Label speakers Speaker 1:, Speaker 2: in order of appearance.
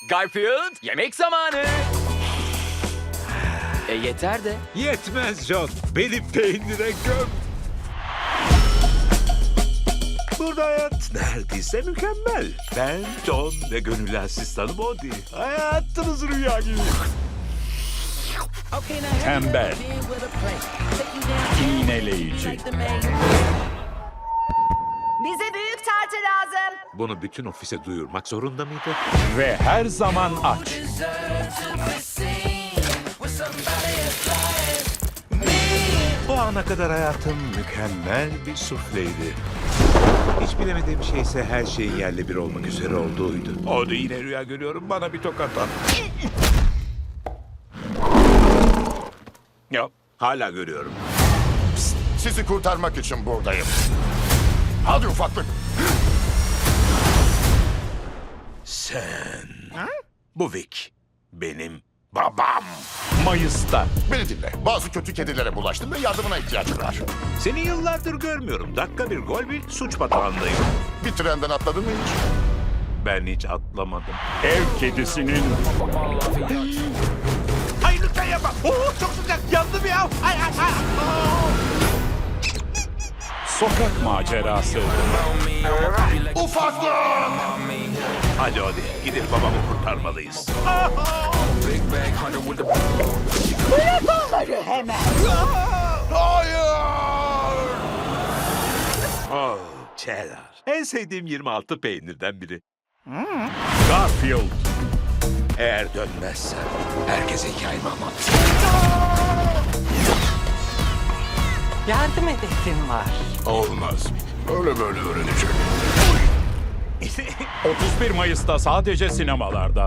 Speaker 1: Garfield, yemek zamanı. Yeter de.
Speaker 2: Yetmez John. Beni peynire göm. Burada hayat neredeyse mükemmel. Ben John ve gönüllü asistanım Odie. Hayatınız rüya gibi.
Speaker 3: Tembel, iğneleyici,
Speaker 4: Bize büyük tartı lazım.
Speaker 2: Bunu bütün ofise duyurmak zorunda mıydı?
Speaker 3: ve her zaman aç.
Speaker 2: Bu ana kadar hayatım mükemmel bir sufleydi. Hiç bilemediğim şey ise her şeyin yerle bir olmak üzere olduğuydu. Odie yine rüya görüyorum. Bana bir tokat at. Yok, hala görüyorum.
Speaker 5: Sizi kurtarmak için buradayım. Hadi ufaklık.
Speaker 2: Sen... Bu Vic. Benim babam.
Speaker 3: Mayıs'ta
Speaker 5: Beni dinle. Bazı kötü kedilere bulaştım ve yardımına ihtiyacım var.
Speaker 2: Seni yıllardır görmüyorum. Dakika bir gol bir suç batağındayım.
Speaker 5: Bir trenden atladın mı hiç?
Speaker 2: Ben hiç atlamadım.
Speaker 3: ev kedisinin
Speaker 2: Hayır lütfen yapma. Çok sıcak. Yandım ya.
Speaker 3: sokak macerası,
Speaker 5: Ufaklık!
Speaker 2: Hadi hadi gidip babamı kurtarmalıyız.
Speaker 5: Hayır!
Speaker 2: Oh, cheddar. En sevdiğim 26 peynirden biri.
Speaker 3: Garfield,
Speaker 2: Eğer dönmezsen herkese hikayemi anlat.
Speaker 6: Yardım hedefim var.
Speaker 5: Olmaz. Öyle böyle öğrenecek.
Speaker 3: 31 Mayıs'ta sadece sinemalarda.